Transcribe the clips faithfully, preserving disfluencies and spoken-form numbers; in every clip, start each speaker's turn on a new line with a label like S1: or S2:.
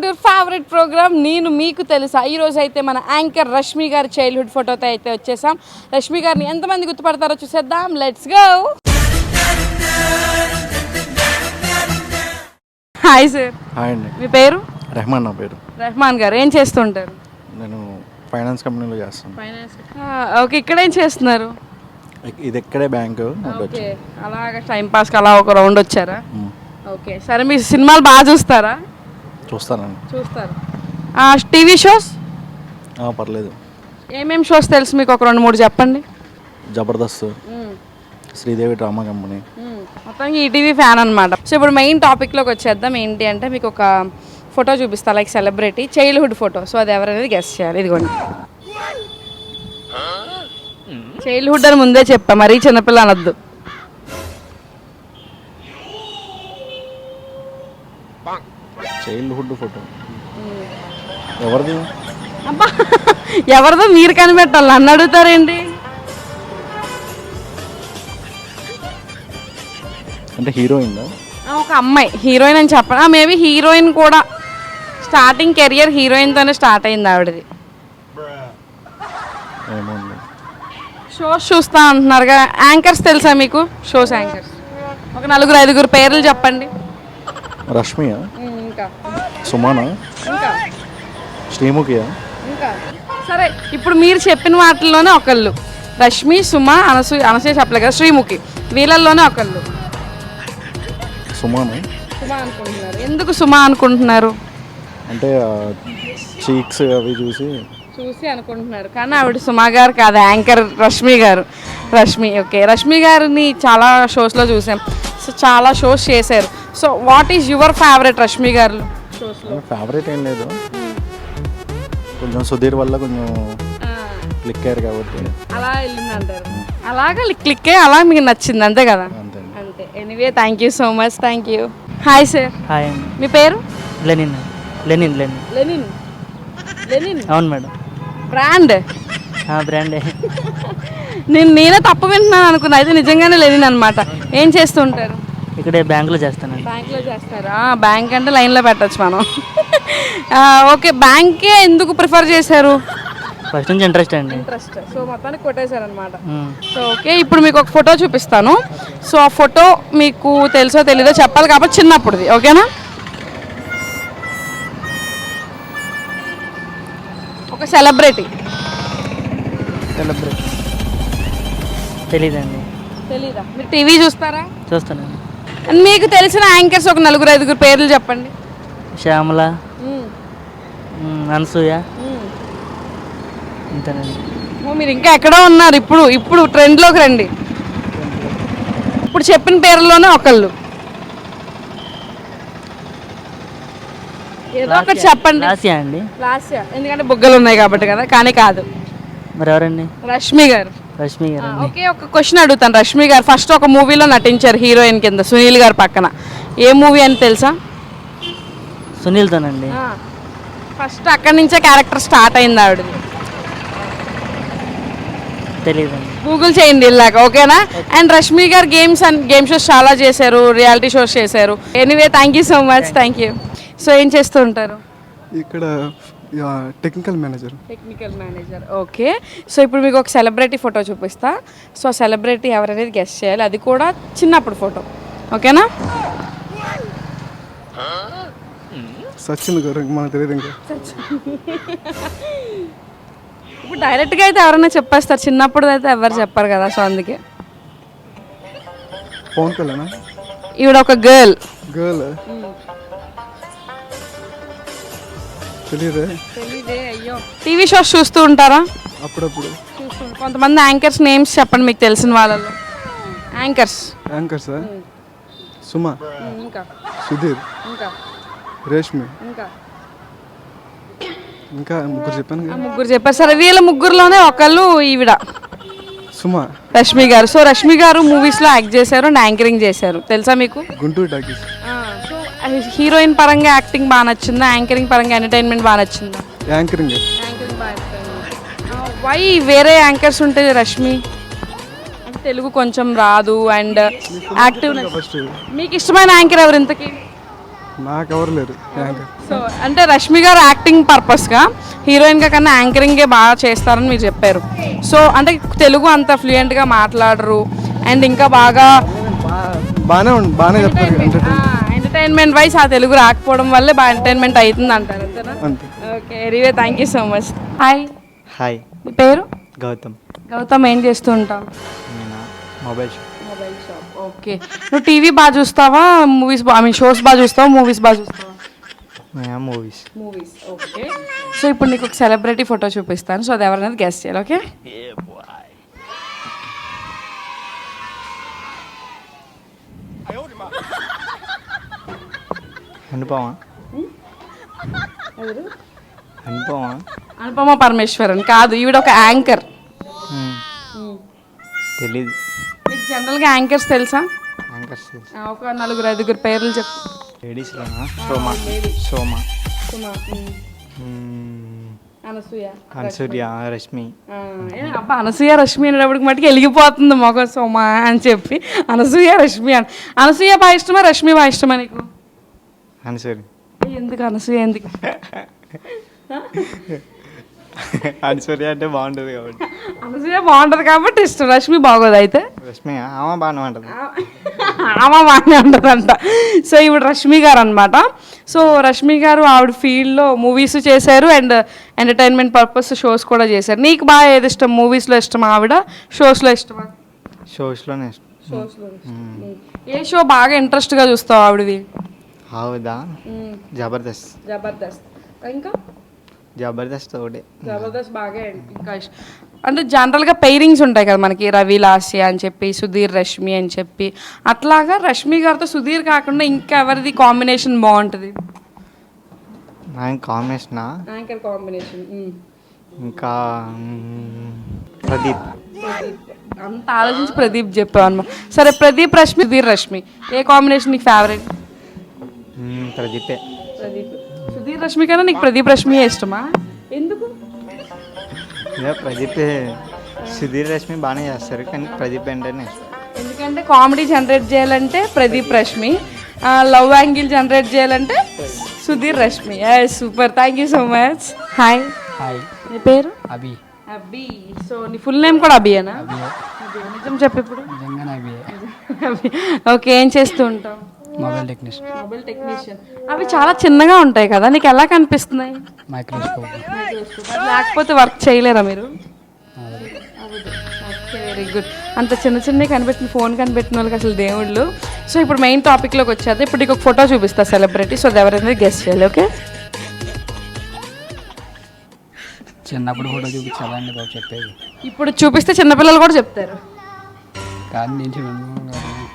S1: Your favourite programme నేను మీకు తెలుసా. ఈరోజు అయితే మన యాంకర్ రష్మి గారి చైల్డ్హుడ్ ఫోటోతో అయితే వచ్చేసాం. రష్మి గారిని ఎంతమంది గుర్తుపడతారో చూసేద్దాం. Let's go. Hi sir.
S2: Hi అండి.
S1: మీ పేరు?
S2: రెహమాన్. నా పేరు
S1: రెహమాన్ గారు. ఏం చేస్తుంటారు?
S2: నేను ఫైనాన్స్ కంపెనీలో చేస్తాను.
S1: ఫైనాన్స్. ఓకే, ఇక్కడ ఏం చేస్తున్నారు?
S2: ఇది ఎక్కడే బ్యాంకు.
S1: ఓకే, అలాగా టైం పాస్కి అలా ఒక రౌండ్ వచ్చారా? ఓకే, సరే. మీరు సినిమాలు బాగా చూస్తారా?
S2: చూస్తానండి.
S1: చూస్తారు. TV shows?
S2: పర్లేదు.
S1: ఏమేమి షోస్ తెలుసు మీకు? ఒక రెండు మూడు చెప్పండి.
S2: Jabardasth, Sridevi drama company.
S1: మొత్తం ఈటీవీ ఫ్యాన్ అనమాట. సో ఇప్పుడు మెయిన్ టాపిక్లోకి వచ్చేద్దాం. ఏంటి అంటే మీకు ఒక ఫోటో చూపిస్తా, like celebrity childhood photo. So అది ఎవరనేది గెస్ చేయాలి. ఇదిగోండి, చైల్డ్హుడ్ అని ముందే చెప్పా, మరీ చిన్నపిల్ల అనొద్దు.
S2: చైల్డ్హుడ్ ఫోటో ఎవరిది?
S1: అబ్బా, ఎవరిదో మీరు కనిపెట్టాలి, నన్ను అడుగుతారేంటి?
S2: అంటే హీరోయిన్?
S1: ఒక అమ్మాయి హీరోయిన్ అని చెప్పను. మేబీ హీరోయిన్ కూడా. స్టార్టింగ్ కెరియర్ హీరోయిన్తోనే స్టార్ట్ అయింది ఆవిడది. షోస్ చూస్తా అంటున్నారుగా. యాంకర్స్ తెలుసా మీకు? షోస్ యాంకర్స్ ఒక నలుగురు ఐదుగురు పేర్లు చెప్పండి.
S2: రష్మియా?
S1: ఇంకా
S2: సుమానా?
S1: ఇంకా
S2: శ్రీముఖియా?
S1: ఇంకా సరే, ఇప్పుడు మీరు చెప్పిన వాటిల్లోనే ఒకళ్ళు. రష్మి, సుమ, అనసూయ. అనసూయ చెప్పలే కదా, శ్రీముఖి. వీళ్ళల్లోనే ఒకళ్ళు.
S2: సుమానా?
S1: సుమ అనుకుంటున్నారు. ఎందుకు సుమ అనుకుంటున్నారు?
S2: అంటే చీక్స్ అవి చూసి
S1: చూసి అనుకుంటున్నారు, కానీ ఆవిడ సుమా గారు కాదు, యాంకర్ రష్మి గారు. రష్మి. ఓకే, రష్మి గారిని చాలా షోస్లో చూసాం. సో చాలా షోస్ చేశారు. So what is your favourite Rashmi garu షోస్లో?
S2: ఫేవరెట్ ఏం లేదు, కొంచెం సుధీర్ వల్ల కొంచెం క్లిక్ అయ్యారు కాబట్టి
S1: అలా వెళ్ళింది అంటారు. అలాగా క్లిక్ అయ్యి అలా మీకు నచ్చింది, అంతే కదా?
S2: అంతే
S1: అంతే. Anyway, thank you so much. Thank you. Hi sir.
S3: Hi అండి.
S1: మీ పేరు?
S3: Lenin. Lenin Lenin
S1: Lenin. Lenin
S3: అవును మేడం.
S1: బ్రాండ్?
S3: బ్రాండే.
S1: నేను నేనే తప్పు వింటున్నాను అనుకున్నా, అయితే నిజంగానే లెనిన్ అనమాట. ఏం చేస్తుంటారు?
S3: ఇక్కడే బ్యాంకులో చేస్తానండి.
S1: బ్యాంక్లో చేస్తారా? బ్యాంక్ అంటే లైన్లో పెట్టచ్చు మనం. ఓకే, బ్యాంకే ఎందుకు ప్రిఫర్ చేశారు?
S3: ఫస్ట్ నుంచి ఇంట్రెస్ట్ అండి.
S1: ఇంట్రెస్ట్. సో మొత్తానికి కొట్టేశారు అనమాట. సో ఓకే, ఇప్పుడు మీకు ఒక ఫోటో చూపిస్తాను. సో ఆ ఫోటో మీకు తెలుసో తెలీదో చెప్పాలి కాబట్టి చిన్నప్పుడుది, ఓకేనా? ఒక సెలబ్రిటీ.
S3: సెలబ్రిటీ తెలీదండి.
S1: తెలీదా? మీరు టీవీ చూస్తారా?
S3: చూస్తానండి.
S1: మీకు తెలిసిన యాంకర్స్ ఒక నలుగురు ఐదుగురు పేర్లు చెప్పండి.
S3: శ్యామల, అనసూయ, అంతేనండి.
S1: మీరు ఇంకా ఎక్కడో ఉన్నారు. ఇప్పుడు ఇప్పుడు ట్రెండ్లోకి రండి. ఇప్పుడు చెప్పిన పేర్లలోనే ఒకళ్ళు ఏదో ఒకటి చెప్పండి.
S3: లాస్యా అండి.
S1: లాస్యా, ఎందుకంటే బుగ్గలు ఉన్నాయి కాబట్టి కదా. కానీ కాదు.
S3: మరి ఎవరండి?
S1: రష్మి గారు.
S3: రష్మి గారు.
S1: ఓకే, ఒక క్వశ్చన్ అడుగుతాను. రష్మి గారు ఫస్ట్ ఒక మూవీలో నటించారు హీరోయిన్ కింద, సునీల్ గారు పక్కన. ఏ మూవీ అని తెలుసా?
S3: సునీల్తోనండి.
S1: ఫస్ట్ అక్కడి నుంచే క్యారెక్టర్ స్టార్ట్ అయింది ఆవిడది.
S3: తెలీదండి.
S1: గూగుల్ చేయండి ఇలాగ, ఓకేనా? అండ్ రష్మి గారు గేమ్స్ అండ్ గేమ్ షోస్ చాలా చేశారు, రియాలిటీ షోస్ చేశారు. Anyway, thank you so much. Thank you. So ఏం చేస్తూ ఉంటారు?
S4: ఇక్కడ technical manager.
S1: Technical manager. Okay, so ఇప్పుడు మీకు ఒక సెలబ్రిటీ ఫోటో చూపిస్తా. సో ఆ సెలబ్రిటీ ఎవరనేది గెస్ చేయాలి, అది కూడా చిన్నప్పుడు ఫోటో, ఓకేనా?
S4: సచిన్ గారు. మనకు తెలియదు ఇంకా.
S1: ఇప్పుడు డైరెక్ట్గా అయితే ఎవరైనా చెప్పేస్తారు, చిన్నప్పుడు అయితే ఎవరు చెప్పారు కదా. సో అందుకే
S4: పవన్ కళ్యాణ్.
S1: ఈవిడ ఒక గర్ల్.
S4: గర్ల్ తెలియదే.
S1: తెలీదే. అయ్యో, టీవీ షోస్ చూస్తూ ఉంటారా?
S4: అప్పుడప్పుడు
S1: చూస్తూ. కొంతమంది యాంకర్స్ నేమ్స్ చెప్పండి మీకు తెలిసిన వాళ్ళలో. యాంకర్స్.
S4: యాంకర్స్ సుమ,
S1: ఇంకా
S4: సుధీర్,
S1: ఇంకా
S4: రేష్మి,
S1: ఇంకా
S4: ఇంకా ముగ్గురు చెప్పాను కదా.
S1: ముగ్గురు చెప్పారు. సరే, వీళ్ళ ముగ్గురులోనే ఒకళ్ళు ఈవిడ
S4: సుమ,
S1: రష్మి గారు. సో రష్మి గారు మూవీస్లో యాక్ట్ చేశారు అండ్ యాంకరింగ్ చేశారు, తెలుసా మీకు?
S4: గుంటూరు టాకీస్.
S1: సో హీరోయిన్ పరంగా యాక్టింగ్ బాగా నచ్చిందా? యాంకరింగ్ పరంగా ఎంటర్టైన్మెంట్ బాగా నచ్చిందా?
S4: యాంకరింగ్.
S1: యాంకరింగ్ బాగా. వై వేరే యాంకర్స్ ఉంటే రష్మి అంటే తెలుగు కొంచెం రాదు అండ్ యాక్టివ్. మీకు ఇష్టమైన యాంకర్ ఎవరు ఇంతకీ?
S4: నాకు ఎవరు లేరు యాంకర్.
S1: సో అంటే రష్మి గారు యాక్టింగ్ పర్పస్గా హీరోయిన్గా కన్నా యాంకరింగే బాగా చేస్తారని మీరు చెప్పారు. సో అంటే తెలుగు అంత ఫ్లూయెంట్గా మాట్లాడరు అండ్ ఇంకా బాగా
S4: బాగానే ఉంది, బాగానే చెప్తారు ఎంటర్టైన్
S1: ఎంటర్టైన్మెంట్ వైజ్ ఆ తెలుగు రాకపోవడం వల్లే బాగా ఎంటర్టైన్మెంట్ అవుతుంది అంటారు అంతేనా?
S4: అంతే.
S1: Okay anyway thank you so much. Hi,
S2: hi,
S1: మీ పేరు?
S2: గౌతమ్.
S1: గౌతమ్, ఏం చేస్తూ ఉంటావు?
S2: నేను mobile shop.
S1: Mobile shop. Okay, నువ్వు టీవీ బాగా చూస్తావా, మూవీస్ ఐ మీన్ షోస్ బాగా చూస్తావా, మూవీస్ బాగా చూస్తావా?
S2: మూవీస్.
S1: మూవీస్. ఓకే, సో ఇప్పుడు నీకు ఒక సెలబ్రిటీ ఫోటో చూపిస్తాను, సో అది ఎవరనేది గెస్ట్ చేయాలి. ఓకే,
S2: అనుపమా? అనుపమా?
S1: అనుపమ పరమేశ్వరన్ కాదు, ఈవిడ ఒక యాంకర్.
S2: తెలీదు.
S1: మీకు జనరల్గా యాంకర్స్ తెలుసా?
S2: యాంకర్స్
S1: ఆ, ఒక నలుగురు ఐదుగురు పేర్లు చెప్పు.
S2: లేడీస్లోనా? సోమా. సోమా.
S1: సుమా, ఉమ్,
S2: మ్మ్.
S1: అనసూయ,
S2: అన్సూర్య, రష్మి.
S1: ఆ, ఏ, అబ్బా అనసూయ రష్మి అనేటప్పటికి మటుకు వెలిగిపోతుంది మొగ సోమా అని చెప్పి అనసూయ రష్మి అని. అనసూయ బాగా ఇష్టమా, రష్మి బాగా ఇష్టమా నీకు?
S2: అన్సూర్య.
S1: ఏ, ఎందుకు అనసూయ ఎందుకు?
S2: అన్సూర్య అంటే బాగుంటుంది కాబట్టి.
S1: అనసూయ బాగుంటుంది కాబట్టి ఇష్టం, రష్మి బాగోదు అయితే?
S2: రష్మి ఆమె బాగానే ఉంటుంది.
S1: ఆమె బాగానే ఉంటుందంట. సో ఇప్పుడు రష్మి గారు అనమాట. సో రష్మి గారు ఆవిడ ఫీల్డ్లో మూవీస్ చేశారు అండ్ ఎంటర్టైన్మెంట్ పర్పస్ షోస్ కూడా చేశారు. నీకు బాగా ఏది ఇష్టం, మూవీస్లో ఇష్టమా ఆవిడ, షోస్లో ఇష్టమా?
S2: షోస్లోనే ఇష్టం.
S1: షోస్లో. ఏ షో బాగా ఇంట్రెస్ట్గా చూస్తావు ఆవిడవి?
S2: హౌదా, జబర్దస్త్.
S1: జబర్దస్త్. ఇంకా
S2: జబర్దస్త్ ఒకటే.
S1: జబర్దస్త్ బాగా ఇంకా ఇష్టం. అంటే జనరల్గా పెయిరింగ్స్ ఉంటాయి కదా మనకి, రవి లాస్య అని చెప్పి, సుధీర్ రష్మి అని చెప్పి, అట్లాగా రష్మి గారితో సుధీర్ కాకుండా ఇంకా ఎవరిది కాంబినేషన్ బాగుంటుంది?
S2: ఆయన కాంబినేషనా?
S1: Anchor combination.
S2: ఇంకా మ్మ్, ప్రదీప్.
S1: అంత ఆలోచించి ప్రదీప్ చెప్పావు అనమాట. సరే, ప్రదీప్ రష్మి, సుధీర్ రష్మి, ఏ కాంబినేషన్ నీకు ఫేవరెట్?
S2: మ్మ్, ప్రదీపే.
S1: ప్రదీప్. సుధీర్ రష్మి కన్నా నీకు ప్రదీప్ రష్మి ఇష్టమా? ఎందుకు?
S2: ఇక ప్రదీప్, సుధీర్ రష్మి బాగానే చేస్తారు కానీ ప్రదీప్ అంటేనే ఇష్టం.
S1: ఎందుకంటే కామెడీ జనరేట్ చేయాలంటే Pradeep Rashmi, love angle generate చేయాలంటే Sudheer Rashmi. Super, thank you so much. Hi.
S3: Hi,
S1: నీ పేరు?
S3: అభి.
S1: అభి. సో నీ ఫుల్ నేమ్ కూడా అభియేనా? నిజం చెప్పు ఇప్పుడు.
S3: నిజంగానే అభి.
S1: అభి. ఓకే, ఏం చేస్తూ ఉంటావు?
S3: Mobile technician.
S1: Mobile technician. అవి చాలా చిన్నగా ఉంటాయి కదా, నీకు ఎలా కనిపిస్తున్నాయి?
S3: మైక్రోస్కోప్.
S1: లేకపోతే వర్క్ చేయలేరా మీరు? Very good. అంత చిన్న చిన్న కనిపెట్టిన ఫోన్ కనిపెట్టిన వాళ్ళకి అసలు దేవుళ్ళు. సో ఇప్పుడు మెయిన్ టాపిక్లోకి వచ్చేది. ఇప్పుడు నీకు ఒక ఫోటో చూపిస్తా సెలబ్రిటీ, సో అది ఎవరైనా గెస్ట్ చేయాలి. ఓకే,
S3: చిన్నప్పుడు ఫోటో చూపించాలండి బాబు చెప్పేది.
S1: ఇప్పుడు చూపిస్తే చిన్నపిల్లలు కూడా చెప్తారు.
S3: కానీ నేను చిన్న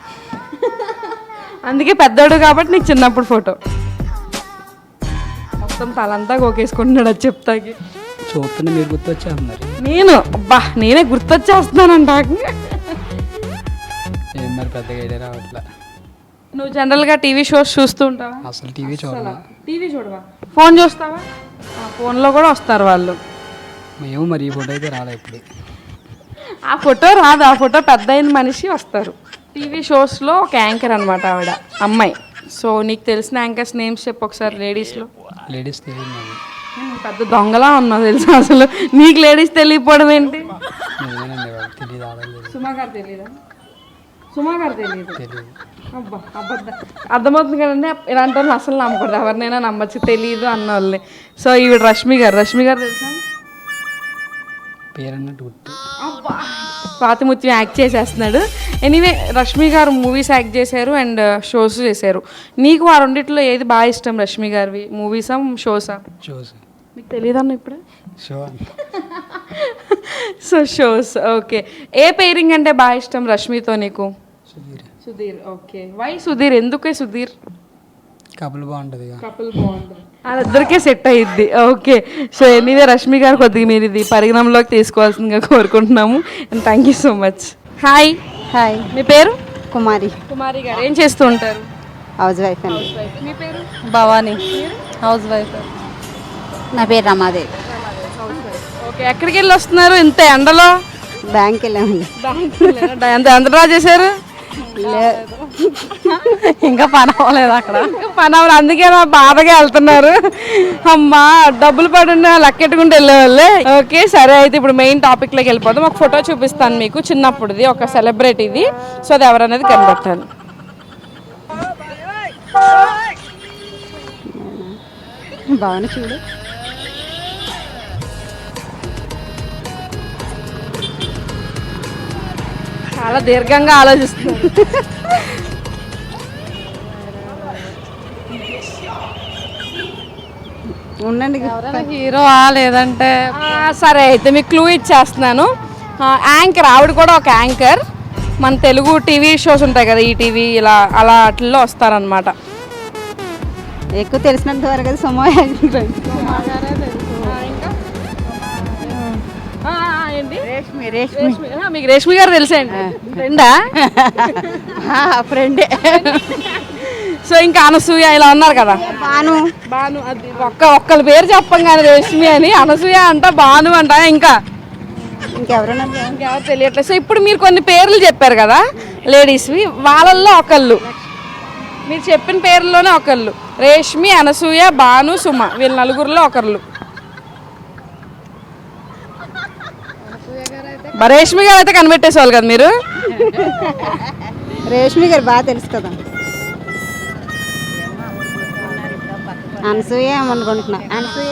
S1: అందుకే పెద్దోడు కాబట్టి నీకు చిన్నప్పుడు ఫోటో. మొత్తం తలంతా గోకేసుకుంటున్నాడు అది చెప్తాకి.
S3: చూస్తున్నా మీరు గుర్తొచ్చేస్తున్నారు.
S1: నేను అబ్బా నేనే గుర్తొచ్చేస్తున్నానంట.
S3: ఏం మరి పెద్దగా ఐడియా రావట్లా.
S1: నువ్వు జనరల్గా టీవీ షోస్ చూస్తూ ఉంటావా?
S3: అసలు టీవీ చూడాలా.
S1: టీవీ చూడవా? ఫోన్ చూస్తావా? ఫోన్లో కూడా వస్తారు వాళ్ళు.
S3: మేము మరి ఈ ఫోటో అయితే రాలే ఇప్పుడు.
S1: ఆ ఫోటో రాదు, ఆ ఫోటో పెద్ద అయిన మనిషి వస్తారు. టీవీ షోస్లో ఒక యాంకర్ అనమాట ఆవిడ, అమ్మాయి. సో నీకు తెలిసిన యాంకర్స్ నేమ్స్ చెప్పు ఒకసారి లేడీస్లో.
S3: లేడీస్ తెలియదు నాకు.
S1: పెద్ద దొంగలా ఉన్నావు తెలుసా అసలు. నీకు లేడీస్ తెలియకపోవడం ఏంటి?
S3: నిజమేనండి బాబు, తెలియదు. ఆడలేదు.
S1: సుమా గారు తెలియదా? సుమా గారు తెలియదు.
S3: తెలియదు.
S1: అబ్బా అబద్ధం. అర్థమవుతుంది కదండి, ఇలాంటి వాళ్ళు అసలు నమ్మకూడదు, ఎవరినైనా నమ్మచ్చు తెలియదు అన్న వాళ్ళని. సో ఈవిడ రష్మి గారు. రష్మి గారు తెలుసా?
S3: పేరన్నట్టు గుర్తు.
S1: స్వాతిముత్యం యాక్ట్ చేసేస్తున్నాడు. Anyway Rashmi garu movies act చేశారు అండ్ షోస్ చేశారు. నీకు ఆ రెండిట్లో ఏది బాగా ఇష్టం రష్మి గారివి, మూవీసా షోసా?
S3: షోస్.
S1: మీకు తెలియదన్న ఇప్పుడు.
S3: షో.
S1: So shows. ఓకే, ఏ పేరింగ్ అంటే బాగా ఇష్టం రష్మితో నీకు?
S3: సుధీర్.
S1: సుధీర్. Okay, why Sudheer? ఎందుకే సుధీర్?
S3: కపుల్ బాగుంటుంది.
S1: కపుల్ బాగుంటుంది, వాళ్ళిద్దరికే సెట్ అయ్యిద్ది. Okay, so anyway Rashmi garu కొద్దిగా మీరు ఇది పరిగణంలోకి తీసుకోవాల్సిందిగా కోరుకుంటున్నాము. And thank you so much. Hi.
S5: Hi,
S1: మీ పేరు?
S5: కుమారి.
S1: కుమారి గారు. ఏం చేస్తూ ఉంటారు?
S5: హౌస్ వైఫ్ అండి.
S1: మీ పేరు?
S5: Bhavani, housewife. నా పేరు రమాదేవి.
S1: ఓకే, ఎక్కడికి వెళ్ళి వస్తున్నారు ఇంత ఎండలో?
S5: బ్యాంక్ వెళ్ళామండి.
S1: ఎంత ఎంత డ్రా చేశారు?
S5: ఇంకా పని అవ్వలేదు అక్కడ.
S1: పని అవ్వదు, అందుకే నా బాధగా వెళ్తున్నారు. అమ్మా డబ్బులు పడున్న లక్కెట్టుకుంటూ వెళ్ళేవాళ్ళే. ఓకే సరే, అయితే ఇప్పుడు మెయిన్ టాపిక్లోకి వెళ్ళిపోదాం. ఒక ఫోటో చూపిస్తాను మీకు చిన్నప్పుడుది, ఒక సెలబ్రిటీది. సో అది ఎవరనేది కనిపెట్టాలి.
S5: బాగానే చూడు.
S1: చాలా దీర్ఘంగా ఆలోచిస్తుంది.
S5: ఉండండి, హీరో లేదంటే
S1: ఆ, సరే అయితే మీకు క్లూ ఇచ్చేస్తున్నాను. ఆ, యాంకర్, ఆవిడ కూడా ఒక యాంకర్. మన తెలుగు టీవీ షోస్ ఉంటాయి కదా, ఈ టీవీ ఇలా అలా వాటిల్లో వస్తారనమాట.
S5: ఎక్కువ తెలిసినంత వరకు అది సుమా. రేష్మి రేష్మి
S1: మీకు రేష్మి గారు తెలుసా అండి? ఫ్రెండా?
S5: ఫ్రెండే.
S1: సో ఇంకా అనసూయ ఇలా ఉన్నారు కదా.
S5: బాను
S1: బాను, అది ఒక్క ఒక్కరి పేరు చెప్పం కానీ రేష్మి అని, అనసూయ అంట, బాను అంట, ఇంకా
S5: ఇంకెవరన్నా
S1: ఇంకెవరు తెలియట్లేదు. సో ఇప్పుడు మీరు కొన్ని పేర్లు చెప్పారు కదా లేడీస్వి, వాళ్ళల్లో ఒకళ్ళు, మీరు చెప్పిన పేర్లలోనే ఒకళ్ళు. రేష్మి, అనసూయ, బాను, సుమ, వీళ్ళ నలుగురిలో ఒకళ్ళు. రేష్మి గారు అయితే కనిపెట్టేసేవాళ్ళు కదా మీరు.
S5: రేష్మి గారు బాగా తెలుసు కదా. అనసూయ ఏమనుకుంటున్నా. అనసూయ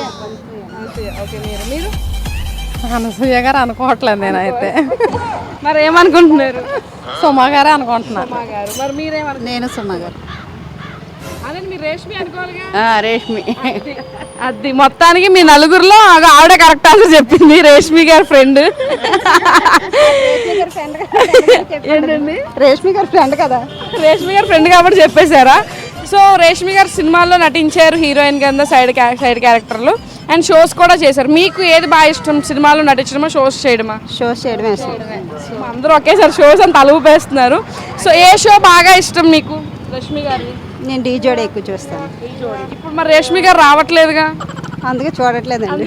S5: అనసూయ గారు అనుకోవట్లేదు నేనైతే.
S1: మరి ఏమనుకుంటున్నారు?
S5: సుమా గారే అనుకుంటున్నా.
S1: మరి మీరేమను?
S5: నేను సుమా గారు.
S1: అదే మీరు రేష్మి అనుకోవాలిగా.
S5: రేష్మి.
S1: అది మొత్తానికి మీ నలుగురిలో ఆవిడ కరెక్ట్ ఆన్సర్ చెప్పింది, రేష్మి గారి ఫ్రెండ్. ఏంటండి?
S5: రేష్మి గారి ఫ్రెండ్ కదా.
S1: రేష్మి గారి ఫ్రెండ్ కాబట్టి చెప్పేశారా? సో రేష్మి గారు సినిమాల్లో నటించారు హీరోయిన్ కింద, సైడ్ సైడ్ క్యారెక్టర్లు, అండ్ షోస్ కూడా చేశారు. మీకు ఏది బాగా ఇష్టం, సినిమాలో నటించడమా, షోస్ చేయడమా?
S5: షోస్ చేయడమే ఇష్టం.
S1: అందరూ ఒకేసారి షోస్ అని తలుపేస్తున్నారు. సో ఏ షో బాగా ఇష్టం మీకు రష్మి గారి?
S5: నేను డీ జోడి ఎక్కువ చూస్తాను.
S1: ఇప్పుడు మరి రేష్మి గారు రావట్లేదుగా,
S5: అందుకే చూడట్లేదండి.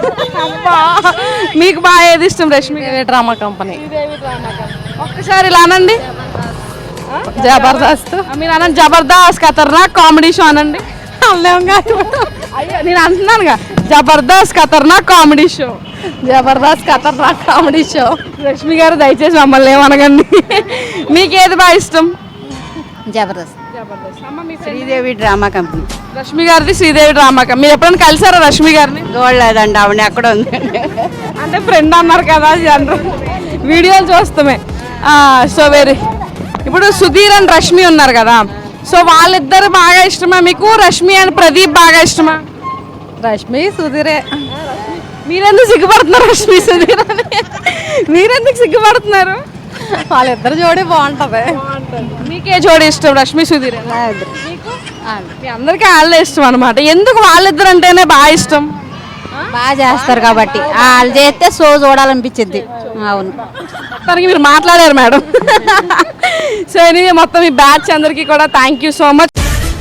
S1: మీకు బాగా ఏది ఇష్టం రష్మి గారి?
S5: Drama company.
S1: ఒక్కసారి ఇలా అనండి.
S5: జబర్దస్త్.
S1: మీరు అనండి జబర్దస్త్ ఖతర్నాక్ కామెడీ షో అనండి. అయ్యో నేను అంటున్నానుగా, జబర్దస్త్ ఖతర్నాక్ కామెడీ షో.
S5: జబర్దస్త్ ఖతర్నాక్ కామెడీ షో.
S1: రష్మి గారు దయచేసి మమ్మల్ని ఏమనగండి. మీకేది బాగా ఇష్టం?
S5: జబర్దస్త్. Sridevi drama company.
S1: రష్మి గారిది శ్రీదేవి డ్రామా కంపెనీ. మీరు ఎప్పుడైనా కలిసారా రష్మి గారిని?
S5: చూడలేదండి, ఆవిడ ఎక్కడ ఉంది.
S1: అంటే ఫ్రెండ్ అన్నారు కదా, జనరల్ వీడియోలు చూస్తామే. సో వెరీ, ఇప్పుడు సుధీర్ అండ్ రష్మి ఉన్నారు కదా, సో వాళ్ళిద్దరు బాగా ఇష్టమా మీకు? రష్మి అండ్ ప్రదీప్ బాగా ఇష్టమా?
S5: రష్మి సుధీరే.
S1: మీరెందుకు సిగ్గుపడుతున్నారు రష్మి సుధీర్ అని? మీరెందుకు సిగ్గుపడుతున్నారు?
S5: వాళ్ళిద్దరు జోడి బాగుంటది.
S1: మీకే జోడి ఇష్టం, రష్మి సుధీర్? మీ అందరికీ వాళ్ళే ఇష్టం అనమాట. ఎందుకు వాళ్ళిద్దరు అంటేనే బాగా ఇష్టం?
S5: బాగా చేస్తారు కాబట్టి. వాళ్ళు చేస్తే షో చూడాలనిపించింది. అవును,
S1: మొత్తానికి మీరు మాట్లాడారు మేడం. సో ఎనీవే, మొత్తం మీ బ్యాచ్ అందరికీ కూడా thank you so much.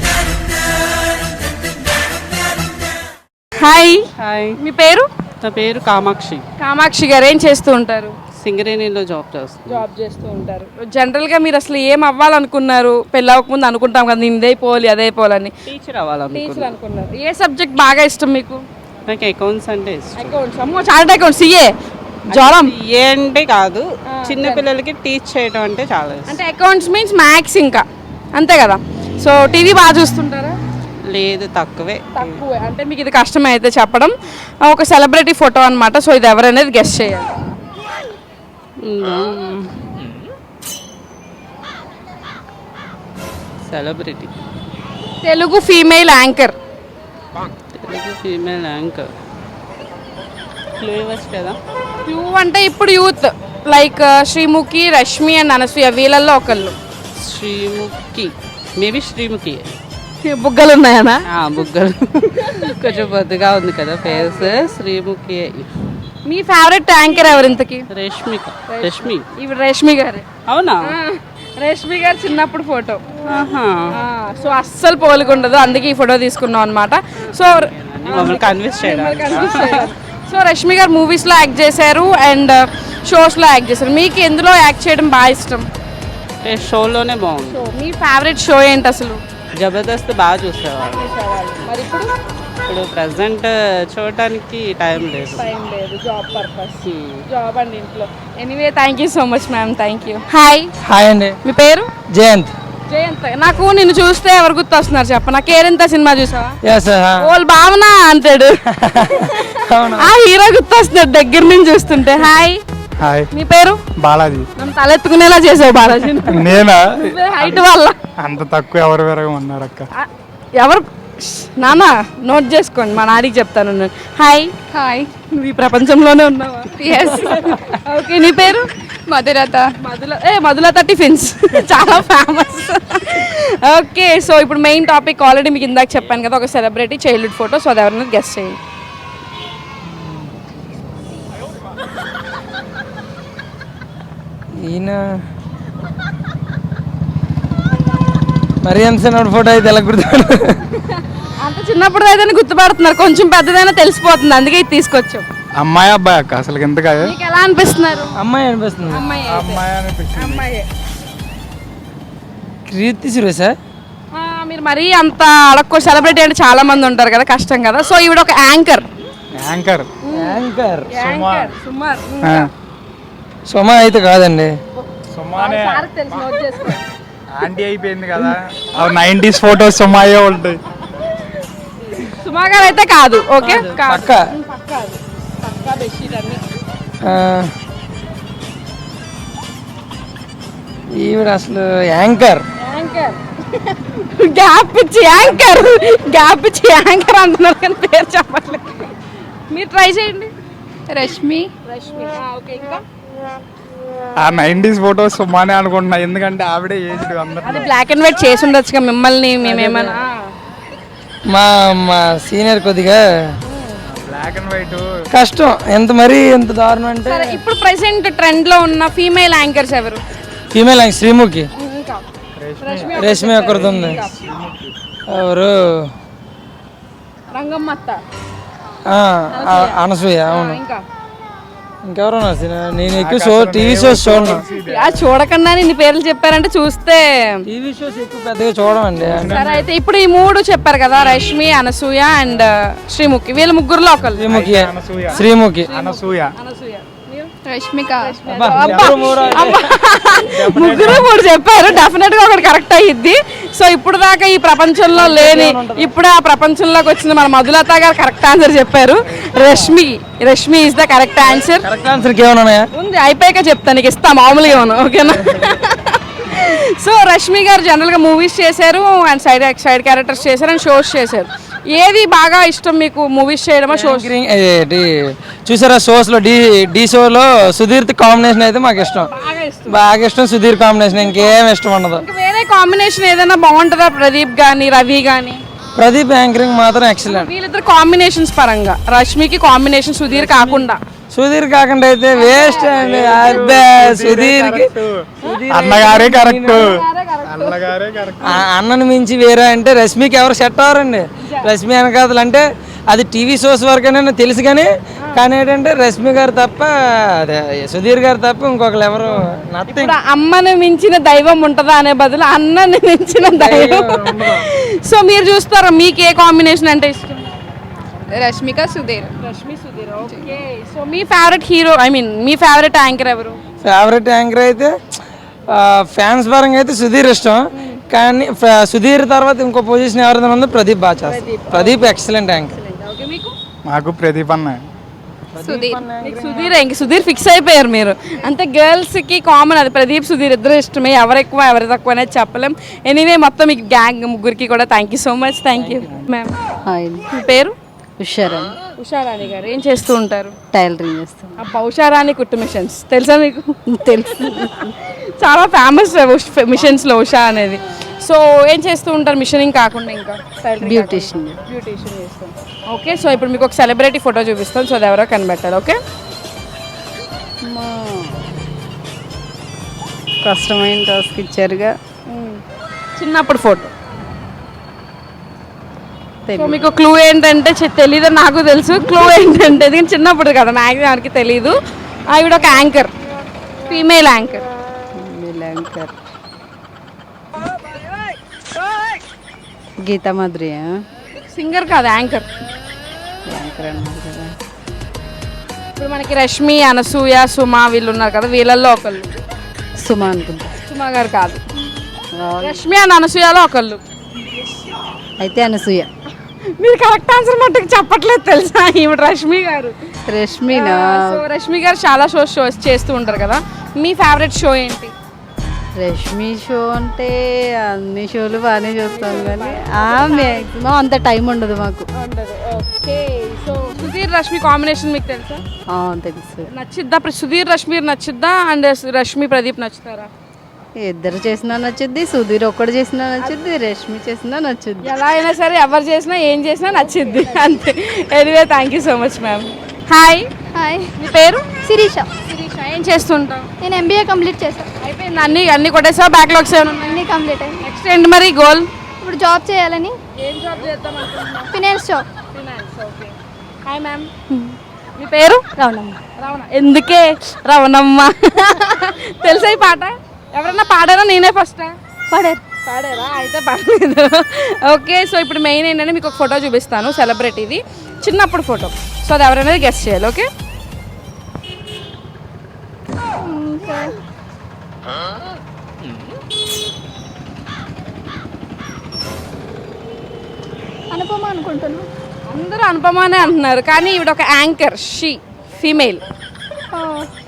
S1: Hi.
S6: Hi,
S1: మీ పేరు?
S6: నా పేరు కామాక్షి.
S1: కామాక్షి గారు ఏం చేస్తూ ఉంటారు?
S6: సింగరేణిలో జాబ్ చేస్తాను.
S1: జాబ్ చేస్తూ ఉంటారు. జనరల్గా మీరు అసలు ఏం అవ్వాలనుకున్నారు? పెళ్ళి అవ్వకముందు అనుకుంటాం కదా, నేను ఇదే పోవాలి అదే పోవాలని.
S6: టీచర్ అవ్వాలనుకున్నాను.
S1: టీచర్ అనుకున్నారు. ఏ సబ్జెక్ట్ బాగా ఇష్టం మీకు?
S6: నాకు అకౌంట్స్ అంటే ఇష్టం.
S1: అకౌంట్స్. అమ్మో, చార్ట్ అకౌంట్స్. సిఏ జ్వరం
S6: ఏ అంటే కాదు, చిన్న పిల్లలకి టీచ్ చేయడం అంటే చాలా ఇష్టం.
S1: అంటే అకౌంట్స్ మీన్స్ మ్యాథ్స్ ఇంకా, అంతే కదా. సో టీవీ బాగా చూస్తుంటారా?
S6: లేదు, తక్కువే.
S1: తక్కువే. అంటే మీకు ఇది కష్టమే అయితే చెప్పడం. ఒక సెలబ్రిటీ ఫోటో అన్నమాట. సో ఇది ఎవరనేది గెస్ట్ చేయాలి.
S6: Celebrity.
S1: Telugu female anchor.
S6: Telugu female anchor. Clue ఇవ్వచ్చు కదా.
S1: క్లూ అంటే ఇప్పుడు youth like Sreemukhi, Rashmi and Anasuya, వీళ్ళల్లో ఒకళ్ళు.
S6: శ్రీముఖి, మేబీ శ్రీముఖి.
S1: బుగ్గలు ఉన్నాయనా?
S6: బుగ్గలు కొంచెం బొద్దుగా ఉంది కదా ఫేస్. శ్రీముఖి.
S1: మీ ఫేవరెట్ యాంకర్ ఎవరు ఇంతకి?
S6: రష్మిక. రష్మి.
S1: ఇవి రేష్మి గారు.
S6: అవునా?
S1: రేష్మి గారు చిన్నప్పుడు ఫోటో.
S6: ఆహా.
S1: సో అస్సలు పోలికుండదు, అందుకే ఈ ఫోటో తీసుకున్నాం అనమాట. సో
S6: కన్విన్స్ చేయడానికి.
S1: సో రష్మి గారు మూవీస్లో యాక్ట్ చేశారు అండ్ షోస్లో యాక్ట్ చేశారు. మీకు ఎందులో యాక్ట్ చేయడం బాగా ఇష్టం?
S6: అంటే షోలోనే బాగుంది.
S1: సో మీ ఫేవరెట్ షో ఏంటి అసలు?
S6: జబర్దస్త్ బాగా చూసేవాళ్ళు.
S1: మరి ఇప్పుడు
S6: ఇప్పుడు ప్రజెంట్ చూడటానికి టైం లేదు.
S1: టైం లేదు, జాబ్ పర్పస్, జాబ్ అండి ఇంట్లో. Anyway thank you so much ma'am, thank you. Hi
S3: hi అండి,
S1: మీ పేరు?
S3: జయంత్.
S1: జయంత్. నాకు నిన్ను చూస్తే ఎవరు గుర్తొస్తున్నారు చెప్ప? నా కేరింత సినిమా చూసావా?
S3: ఎస్.
S1: ఓల్ భావన అంటాడు, ఆ హీరో గుర్తొస్తున్నాడు దగ్గర నుంచి చూస్తుంటే. హాయ్.
S4: హాయ్.
S1: మీ పేరు?
S4: బాలాజీ.
S1: నన్ను తలెత్తుకునేలా చేసావు బాలాజీ.
S4: నేనా?
S1: హైట్ వల్ల
S4: అంత తక్కువ ఎవరు వేరే ఉన్నారు అక్క.
S1: ఆ, ఎవరు? నానా నోట్ చేసుకోండి, మా నాడికి చెప్తాను నేను. హాయ్. హాయ్. నువ్వు ఈ ప్రపంచంలోనే ఉన్నావా? ఎస్. ఓకే, నీ పేరు? మధులత. మధుల ఏ మధులత టిఫిన్స్ చాలా ఫేమస్. ఓకే, సో ఇప్పుడు మెయిన్ టాపిక్ ఆల్రెడీ మీకు ఇందాక చెప్పాను కదా, ఒక సెలబ్రిటీ చైల్డ్హుడ్ ఫోటో. సో అది ఎవరైనా గెస్ట్ చేయండి.
S3: ఈయన మరి ఎంత ఫోటో అయితే ఎలా గుర్తు?
S1: అంత చిన్నప్పుడు అయితే గుర్తుపడుతున్నారు, కొంచెం పెద్దదైనా తెలిసిపోతుంది, అందుకే ఇది తీసుకొచ్చాం.
S4: అమ్మాయి అబ్బాయి అక్క అసలు ఎంత
S1: మీకు ఎలా అనిపిస్తున్నారు?
S3: అమ్మాయి అనిపిస్తుంది.
S1: అమ్మాయి అయితే.
S4: అమ్మాయి అనిపించింది.
S1: అమ్మాయి.
S3: కీర్తి సురేషా?
S1: ఆ, మీరు మరీ అంత అడక్కో సెలబ్రిటీ అంటే చాలా మంది ఉంటారు కదా, కష్టం కదా. సో ఈవిడ ఒక యాంకర్.
S4: యాంకర్.
S3: యాంకర్
S1: యాంకర్ సుమార్.
S3: సుమ అయితే కాదండి.
S4: సుమానే
S1: సార్ తెలుసు, నోట్ చేసుకో.
S4: ఆంటీ అయిపోయింది కదా, అవి నైంటీస్ ఫోటోస్ సుమాయే ఉంటాయి.
S1: సుమా గారు అయితే కాదు. ఓకే,
S3: పక్క. ఈవిడ అసలు యాంకర్.
S1: యాంకర్ గ్యాప్ ఇచ్చి యాంకర్ గ్యాప్ ఇచ్చి యాంకర్ అంటున్నారు కానీ పేరు చెప్పట్లేదు. మీరు ట్రై చేయండి. రష్మి. రష్మి. ఓకే, ఇంకా
S4: ఆ నైంటీస్ ఫోటోస్ సుమానే అనుకుంటున్నా, ఎందుకంటే ఆవిడే ఏజ్డ్
S1: అది
S4: అందరు.
S1: బ్లాక్ అండ్ వైట్ చేసి ఉండొచ్చుగా మిమ్మల్ని, మేమేమన్నా.
S3: మా మా సీనియర్ కొద్దిగా
S4: బ్లాక్ అండ్ వైట్
S3: కష్టం. ఎంత మరీ ఎంత దారుణం అంటే.
S1: సరే, ఇప్పుడు ప్రెసెంట్ ట్రెండ్ లో ఉన్న ఫీమేల్ యాంకర్స్ ఎవరు?
S3: Female anchor Sreemukhi.
S1: ఇంకా
S3: రేష్మి ఒకరిది ఉంది. ఎవరు?
S1: రంగమ్మ అత్త.
S3: ఆ, ఆ- అనసూయ. అవును.
S1: ఇంకా
S3: ఇంకెవరు ఉన్నారు? నేను ఎక్కువ షో టీవీ షోస్ చూడను.
S1: ఆ, చూడకుండా ఇన్ని పేర్లు చెప్పారంటే చూస్తే.
S3: టీవీ షోస్ ఎక్కువ పెద్దగా చూడమండి.
S1: సరే, అయితే ఇప్పుడు ఈ మూడు చెప్పారు కదా, రష్మి, అనసూయ అండ్ శ్రీముఖి, వీళ్ళ ముగ్గురులో ఒకళ్ళు.
S3: శ్రీముఖి. శ్రీముఖి.
S4: అనసూయ.
S1: అనసూయ.
S5: రష్మిక.
S3: అబ్బా, ఎవరు మూడో?
S1: ముగ్గురు మూడు చెప్పారు, డెఫినెట్ గా ఒకటి కరెక్ట్ అయ్యిద్ది. సో ఇప్పుడు దాకా ఈ ప్రపంచంలో లేని, ఇప్పుడు ఆ ప్రపంచంలోకి వచ్చిన మన మధులత గారు కరెక్ట్ ఆన్సర్ చెప్పారు. Rashmi. Rashmi is the correct answer.
S3: Correct answer ఏమైనా ఉన్నాయా?
S1: ఉంది, అయిపోయాక చెప్తాను, నీకు ఇస్తా మామూలుగా ఏమన్నా. ఓకేనా? సో రష్మి గారు జనరల్గా మూవీస్ చేశారు అండ్ సైడ్ సైడ్ క్యారెక్టర్స్ చేశారు అండ్ షోస్ చేశారు. ఏది బాగా ఇష్టం మీకు, మూవీస్ చేయడమా షోస్?
S3: చూసారా షోస్ లో? డి డి షోలో సుధీర్ కాంబినేషన్ అయితే మాకు ఇష్టం, బాగా ఇష్టం. సుధీర్ కాంబినేషన్ ఇంకేం ఇష్టం ఉండదు.
S1: వేరే కాంబినేషన్ ఏదైనా బాగుంటుందా? ప్రదీప్ గానీ, రవి గానీ?
S3: ప్రదీప్ యాంకరింగ్ మాత్రం ఎక్సలెంట్.
S1: వీళ్ళిద్దరు కాంబినేషన్స్ పరంగా రష్మికి కాంబినేషన్, సుధీర్ కాకుండా.
S3: సుధీర్ కాకుండా అయితే వేస్ట్ అండి. అబ్బే, సుధీర్ కి
S4: అన్నగారే కరెక్ట్. అన్నగారే కరెక్ట్.
S3: అన్నను మించి వేరే అంటే రష్మికి ఎవరు సెట్ అవ్వరండి. రష్మి వెనకాతలు అంటే అది టీవీ షోస్ వరకైనా తెలుసు కానీ కానీ ఏంటంటే రష్మి గారు తప్ప, అదే సుధీర్ గారు తప్ప ఇంకొకరు ఎవరు నథింగ్.
S1: ఇప్పుడు అమ్మని మించిన దైవం ఉంటుందా అనే బదులు అన్నని మించిన దైవం. సో మీరు చూస్తారా, మీకు ఏ కాంబినేషన్ అంటే ఇష్టం?
S5: రష్మిక, సుధీర్.
S1: రష్మి, సుధీర్. ఓకే, సో మీ ఫేవరెట్ హీరో, ఐ మీన్ మీ ఫేవరెట్ యాంకర్ ఎవరు?
S3: ఫేవరెట్ యాంకర్ అయితే ఫ్యాన్స్ పరంగా అయితే సుధీర్ ఇష్టం, కానీ ఫ- సుధీర్ తర్వాత ఇంకో పొజిషన్ ఎవరైనా ఉందో ప్రదీప్ బాగా చేస్తారు. Pradeep excellent anchor.
S1: ఓకే, మీకు?
S4: మాకు ప్రదీప్ అన్న.
S5: సుధీర్.
S1: మీకు సుధీర్. ఇంక సుధీర్ ఫిక్స్ అయిపోయారు మీరు. అంతే, గర్ల్స్ కి కామన్ అది, ప్రదీప్ సుధీర్ ఇద్దరు ఇష్టమే. ఎవరు ఎక్కువ ఎవరు తక్కువ అనేది చెప్పలేం. ఎనీవే మొత్తం మీకు గ్యాంగ్ ముగ్గురికి కూడా thank you so much. Thank you ma'am.
S5: Hi.
S1: మీ పేరు?
S5: ఉషారాణి.
S1: ఉషారాణి గారు ఏం చేస్తూ ఉంటారు?
S5: టైలరింగ్ చేస్తాం.
S1: అబ్బా, ఉషారాణి కుట్టు మిషన్స్ తెలుసా మీకు?
S5: తెలుసు.
S1: చాలా ఫేమస్ మిషన్స్లో ఉషా అనేది. సో ఏం చేస్తూ ఉంటారు మిషనింగ్ కాకుండా? ఇంకా
S5: బ్యూటిషియన్.
S1: బ్యూటిషియన్ చేస్తాం. ఓకే, సో ఇప్పుడు మీకు ఒక సెలబ్రిటీ ఫోటో చూపిస్తాం, సో అది ఎవరో కనిపెట్టాలి. ఓకే,
S6: కష్టమైన టాస్క్ ఇచ్చారుగా.
S1: చిన్నప్పుడు ఫోటో. సో మీకు క్లూ ఏంటంటే, తెలీదు నాకు తెలుసు. క్లూ ఏంటంటే, ఇది చిన్నప్పుడు కదా, మ్యాక్సిమం ఎవరికి తెలీదు. ఆవిడ ఒక anchor, female anchor.
S6: Anchor Geetha Madhuri
S1: singer కాదు, యాంకర్.
S6: యాంకర్ అన్నారు కదా.
S1: ఇప్పుడు మనకి రష్మి, అనసూయ, సుమ వీళ్ళు ఉన్నారు కదా, వీళ్ళల్లో ఒకళ్ళు.
S6: సుమా అనుకుంటా.
S1: సుమ గారు కాదు, రష్మి అండ్ అనసూయలో ఒకళ్ళు.
S6: అయితే అనసూయ.
S1: మీరు కరెక్ట్ ఆన్సర్ మట్టుకు చెప్పట్లేదు తెలుసా, ఈవిడ రష్మి గారు.
S6: రష్మినా?
S1: సో రష్మి గారు చాలా షోస్ షోస్ చేస్తూ ఉంటారు కదా, మీ ఫేవరెట్ షో ఏంటి?
S6: రష్మి షో అంటే అన్ని షోలు బాగానే చూస్తాం కానీ మ్యాక్సిమం అంత టైం ఉండదు మాకు.
S1: Okay, so Sudheer Rashmi combination మీకు తెలుసా?
S6: ఆ, తెలుసు.
S1: నచ్చిద్దా? సుధీర్ రష్మి నచ్చిద్దా అండ్ రష్మి ప్రదీప్ నచ్చుతారా?
S6: ఇద్దరు చేసినా నచ్చుద్ది, సుధీర్ ఒక్కడు చేసినా నచ్చుద్ది, రష్మి చేసినా నచ్చుద్ది.
S1: ఎలా అయినా సరే ఎవరు చేసినా ఏం చేసినా నచ్చిద్ది అంతే. Anyway thank you so much ma'am. Hi.
S7: Hi,
S1: మీ పేరు?
S7: శిరీష.
S1: శిరీష. ఏం చేస్తుంటావు?
S7: నేను ఎంబీఏ కంప్లీట్ చేశాను.
S1: అయిపోయింది, అన్ని అన్ని కొట్టేసావు, బ్యాక్లాగ్స్ ఏమైనా ఉన్నాయి?
S7: అన్నీ కంప్లీట్ అయ్యింది.
S1: నెక్స్ట్ ఏంటి మరి గోల్?
S7: ఇప్పుడు జాబ్ చేయాలని.
S1: ఏం జాబ్ చేద్దాం అనుకుంటున్నావు?
S7: Finance job.
S1: Finance. Okay. Hi ma'am. మీ పేరు?
S7: రావణమ్మ.
S1: రవణ. ఎందుకే రవణమ్మ? తెలుసా ఈ పాట? ఎవరన్నా పాడారా? నేనే ఫస్టా?
S7: పడారు.
S1: పాడారా? అయితే పర్లేదు. ఓకే, సో ఇప్పుడు మెయిన్ ఏంటంటే మీకు ఒక ఫోటో చూపిస్తాను, సెలబ్రిటీది, చిన్నప్పుడు ఫోటో. సో అది ఎవరైనా గెస్ట్ చేయాలి. ఓకే,
S7: అనుపమ అనుకుంటున్నా.
S1: అందరూ అనుపమానే అంటున్నారు కానీ ఈవిడ ఒక యాంకర్, షీ ఫీమేల్.
S7: ఓ,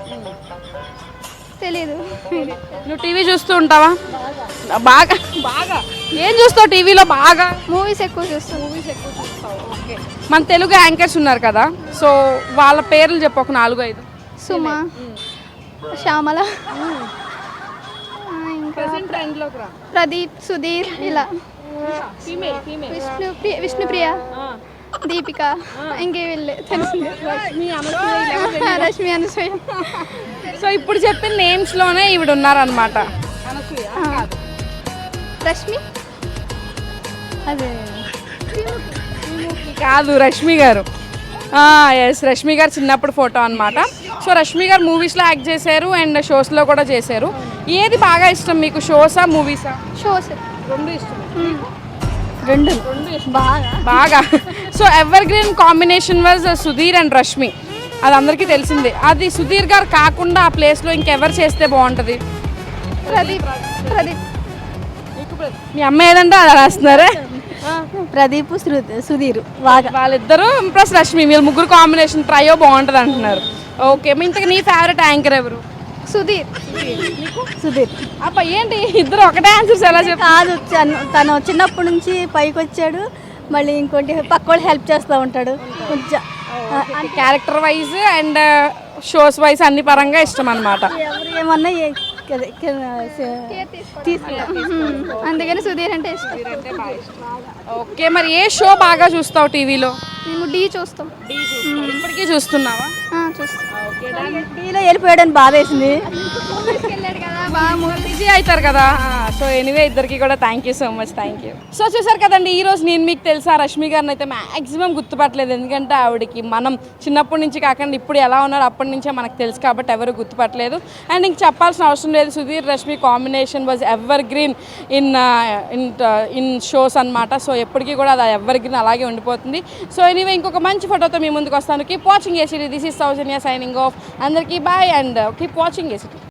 S7: తెలీదు.
S1: నువ్వు టీవీ చూస్తూ ఉంటావా? బాగా బాగా ఏం చూస్తావు టీవీలో? బాగా
S7: మూవీస్ ఎక్కువ చూస్తాను.
S1: మూవీస్ ఎక్కువ చూస్తావు. ఓకే, మన తెలుగు యాంకర్స్ ఉన్నారు కదా, సో వాళ్ళ పేర్లు చెప్పు, ఒక నాలుగు ఐదు.
S7: సుమ, శ్యామల, ఇంకా
S1: ట్రెండ్లోకి రా.
S7: ప్రదీప్, సుధీర్, ఇలా
S1: ఫీమేల్ ఫీమేల్
S7: విష్ణు ప్రియ, విష్ణుప్రియ, దీపిక, ఇంకే వెళ్ళే తెలిసిందే. రష్మి, అనసూయ.
S1: సో ఇప్పుడు చెప్పిన నేమ్స్ లోనే ఈవిడ ఉన్నారనమాట.
S7: రష్మి అదే
S1: కాదు, రష్మి గారు. ఎస్, రష్మి గారు చిన్నప్పుడు ఫోటో అనమాట. సో రష్మి గారు మూవీస్లో యాక్ట్ చేశారు అండ్ షోస్లో కూడా చేశారు. ఏది బాగా ఇష్టం మీకు, షోసా మూవీసా?
S7: షోస్
S1: రెండు ఇష్టం.
S7: రెండు
S1: బాగా బాగా so evergreen combination was Sudheer and Rashmi, అది అందరికీ తెలిసిందే. అది సుధీర్ గారు కాకుండా ఆ ప్లేస్లో ఇంకెవరు చేస్తే బాగుంటుంది?
S7: ప్రదీప్. ప్రదీప్.
S1: మీ అమ్మ ఏదంటే అలా రాస్తున్నారే.
S7: ప్రదీప్, సుధీర్ బాగా.
S1: వాళ్ళిద్దరూ ప్లస్ రష్మి, వీళ్ళు ముగ్గురు కాంబినేషన్ ట్రయో బాగుంటుంది అంటున్నారు. ఓకే, మీ ఇంతకు నీ ఫేవరెట్ యాంకర్ ఎవరు?
S7: సుధీర్. సుధీర్.
S1: అబ్బా ఏంటి ఇద్దరు ఒకటే ఆన్సర్స్ ఎలా చెప్పు?
S7: కాదు, తను- తను చిన్నప్పటి నుంచి పైకి వచ్చాడు, మళ్ళీ ఇంకోటి పక్క వాళ్ళు హెల్ప్ చేస్తూ ఉంటాడు కొంచెం.
S1: Character wise and shows wise అన్ని పరంగా ఇష్టం అనమాట.
S7: ఎవరు ఏమన్నా ఏ- అదే, తీసుకుంటాం. అందుకని సుధీర్ అంటే ఇష్టం.
S1: ఓకే, మరి ఏ షో బాగా చూస్తావు టీవీలో?
S7: మేము డీ చూస్తాం.
S1: ఇప్పటికీ చూస్తున్నావా?
S7: ఆ, చూస్తాం.
S5: టీలో వెళ్ళిపోయాడని బాధ వేసింది.
S7: వెళ్ళాడు కదా బాగా.
S1: బిజీ అవుతారు కదా. సో ఎనీవే ఇద్దరికి కూడా thank you so much. Thank you. So చూసారు కదండి, ఈ రోజు నేను మీకు తెలుసా రష్మి గారిని అయితే మ్యాక్సిమం గుర్తుపట్టలేదు, ఎందుకంటే ఆవిడకి మనం చిన్నప్పటి నుంచి కాకుండా ఇప్పుడు ఎలా ఉన్నారో అప్పటి నుంచే మనకు తెలుసు కాబట్టి ఎవరు గుర్తుపట్టలేదు. అండ్ ఇంక చెప్పాల్సిన అవసరం లేదు, Sudheer Rashmi combination was evergreen in in in shows అనమాట. సో ఎప్పటికీ కూడా అది ఎవర్ గ్రీన్ అలాగే ఉండిపోతుంది. సో ఎనీవే ఇంకొక మంచి ఫోటోతో మీ ముందుకు వస్తాను. Keep watching ACT. This is Soujanya signing off. అందరికీ bye and keep watching ACT.